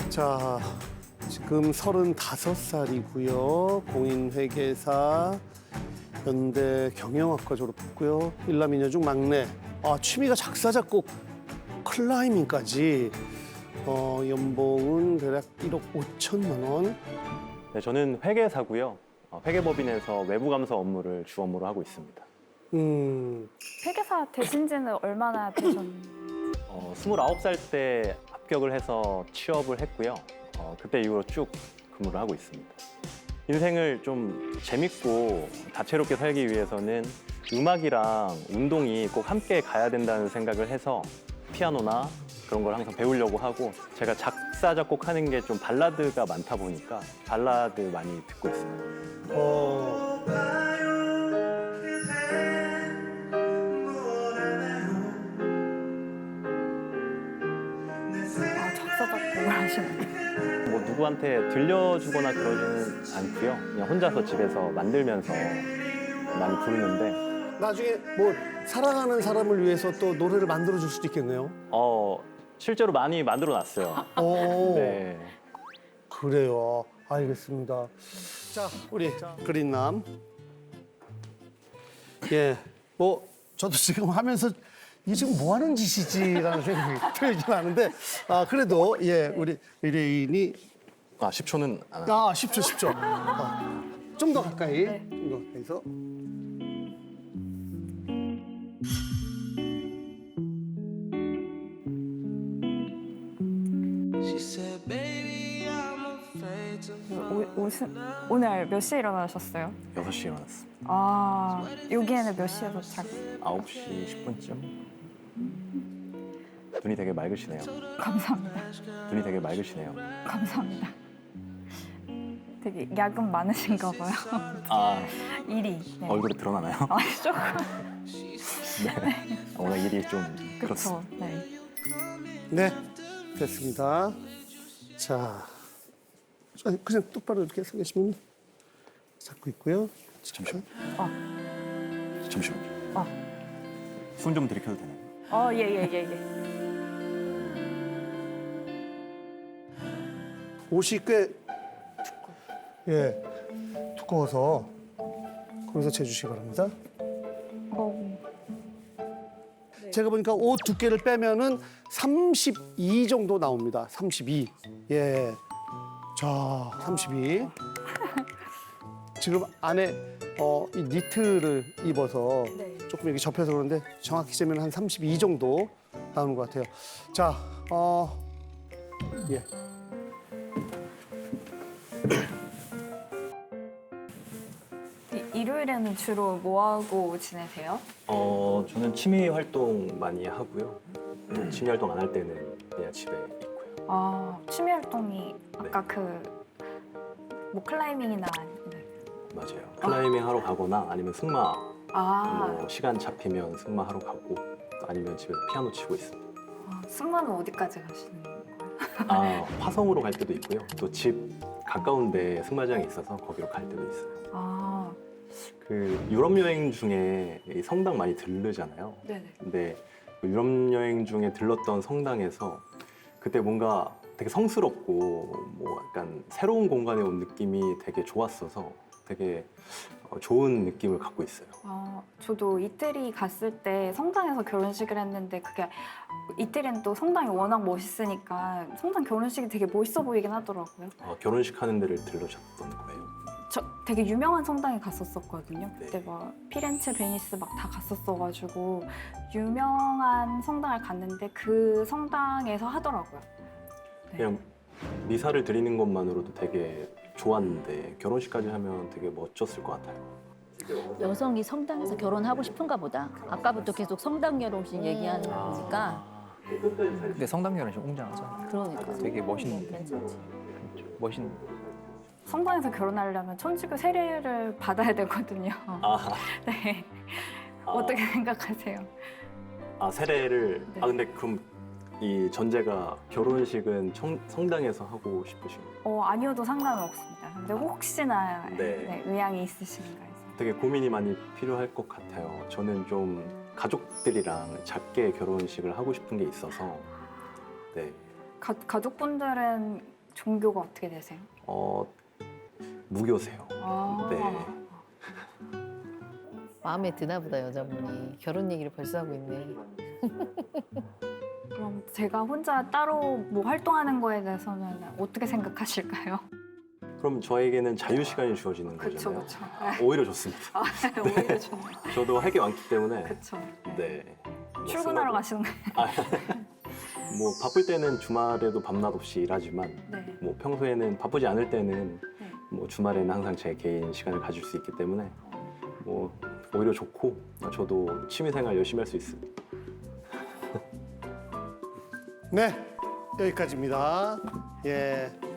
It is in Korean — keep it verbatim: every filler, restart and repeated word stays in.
자, 지금 서른다섯 살이고요. 공인회계사, 연대 경영학과 졸업했고요. 일남이녀 중 막내. 아, 취미가 작사, 작곡, 클라이밍까지. 어, 연봉은 대략 일억 오천만 원. 네, 저는 회계사고요. 어, 회계법인에서 외부 감사 업무를 주 업무로 하고 있습니다. 음, 회계사 되신 지는 얼마나 되셨나요? 어, 스물아홉 살 때 합격을 해서 취업을 했고요. 어, 그때 이후로 쭉 근무를 하고 있습니다. 인생을 좀 재밌고 다채롭게 살기 위해서는 음악이랑 운동이 꼭 함께 가야 된다는 생각을 해서 피아노나 그런 걸 항상 배우려고 하고, 제가 작사, 작곡하는 게 좀 발라드가 많다 보니까 발라드 많이 듣고 있습니다. 어, 아, 작사, 작곡을 하시는. 뭐 누구한테 들려주거나 그러지는 않고요. 그냥 혼자서 집에서 만들면서 많이 부르는데, 나중에 뭐 사랑하는 사람을 위해서 또 노래를 만들어줄 수도 있겠네요. 어, 실제로 많이 만들어 놨어요. 오, 네. 그래요. 알겠습니다. 자, 우리 그린남. 예, 뭐 저도 지금 하면서 이 지금 뭐 하는 짓이지라는 생각이 들긴 하는데, 아 그래도 예, 우리 의뢰인이 아, 십 초는 안 하죠. 아 십 초, 십 초. 아, 좀 더 가까이, 좀 더 가까이서. 오, 오, 오늘 몇 시에 일어나셨어요? 여섯 시에 일어났습니다. 아, 여기에는 몇 시에 도착? 아홉 시 십 분쯤. 눈이 되게 맑으시네요. 감사합니다. 눈이 되게 맑으시네요. 감사합니다. 되게 야근 많으신가 봐요. 아, 일이. 네. 얼굴에 드러나나요? 아, 조금. 네. 오늘 일이 좀 그렇죠. 그렇습니다. 네. 네, 됐습니다. 자, 아니, 그냥 똑바로 이렇게 서 계시면 잡고 있고요. 잠시만요. 아, 잠시만요. 아, 손 좀 들이켜도 되나요? 어, 예, 예, 예, 예. 옷이 꽤 예, 두꺼워서 거기서 재주시기 바랍니다. 어, 제가 보니까 옷 두께를 빼면은 삼십이 정도 나옵니다. 삼십이. 예. 자, 삼십이. 지금 안에 어, 이 니트를 입어서 네. 조금 이렇게 접혀서 그런데 정확히 재면 한 삼십이 정도 나오는 것 같아요. 자, 어, 예. 이- 일요일에는 주로 뭐 하고 지내세요? 어, 저는 취미 활동 많이 하고요. 음, 취미 활동 안 할 때는 그냥 집에 있고요. 아, 취미 활동이 아까 그 뭐 클라이밍이나 네. 맞아요. 클라이밍 하러 가거나 아니면 승마, 아, 뭐 시간 잡히면 승마 하러 가고, 또 아니면 집에서 피아노 치고 있습니다. 아, 승마는 어디까지 가시는 거예요? 아, 화성으로 갈 때도 있고요. 또 집 가까운데 승마장이 있어서 거기로 갈 때도 있어요. 아, 그 유럽 여행 중에 이 성당 많이 들르잖아요. 네네. 근데 그 유럽 여행 중에 들렀던 성당에서 그때 뭔가 되게 성스럽고 뭐 약간 새로운 공간에 온 느낌이 되게 좋았어서 되게 어, 좋은 느낌을 갖고 있어요. 아, 저도 이태리 갔을 때 성당에서 결혼식을 했는데 그게 이태리는 또 성당이 워낙 멋있으니까 성당 결혼식이 되게 멋있어 보이긴 하더라고요. 어, 결혼식 하는 데를 들르셨던 거예요. 저 되게 유명한 성당에 갔었었거든요. 네. 그때 막 피렌체, 베니스 막 다 갔었어가지고 유명한 성당을 갔는데 그 성당에서 하더라고요. 네. 그냥 미사를 드리는 것만으로도 되게 좋았는데 결혼식까지 하면 되게 멋졌을 것 같아요. 여성이 성당에서 결혼하고 싶은가 보다. 아까부터 계속 성당 결혼식 얘기하는 거니까. 근데 성당 결혼식 웅장하죠. 그러니까. 되게 멋있는데. 괜찮지. 멋있는. 성당에서 결혼하려면 천주교 세례를 받아야 되거든요. 아, 네. 아. 어떻게 생각하세요? 아 세례를 네. 아 근데 그럼 이 전제가 결혼식은 청, 성당에서 하고 싶으신 거예요? 어, 아니어도 상관은 없습니다. 근데 혹시나 네. 네, 의향이 있으신가 해서. 되게 고민이 많이 필요할 것 같아요. 저는 좀 가족들이랑 작게 결혼식을 하고 싶은 게 있어서 네. 가, 가족분들은 종교가 어떻게 되세요? 어, 무교세요. 아, 네. 마음에 드나 보다 여자분이. 결혼 얘기를 벌써 하고 있네. 그럼 제가 혼자 따로 뭐 활동하는 거에 대해서는 어떻게 생각하실까요? 그럼 저에게는 자유 시간이 주어지는 그쵸, 거잖아요. 그쵸. 아, 오히려 좋습니다. 아, 오히려 좋네요. 저도 할 게 많기 때문에. 그쵸. 네. 뭐 출근하러 스마트- 가시는 거예요? 아, 뭐 바쁠 때는 주말에도 밤낮 없이 일하지만 네. 뭐 평소에는 바쁘지 않을 때는 네. 뭐 주말에는 항상 제 개인 시간을 가질 수 있기 때문에 뭐 오히려 좋고 저도 취미생활 열심히 할 수 있습니다. 네, 여기까지입니다. 예,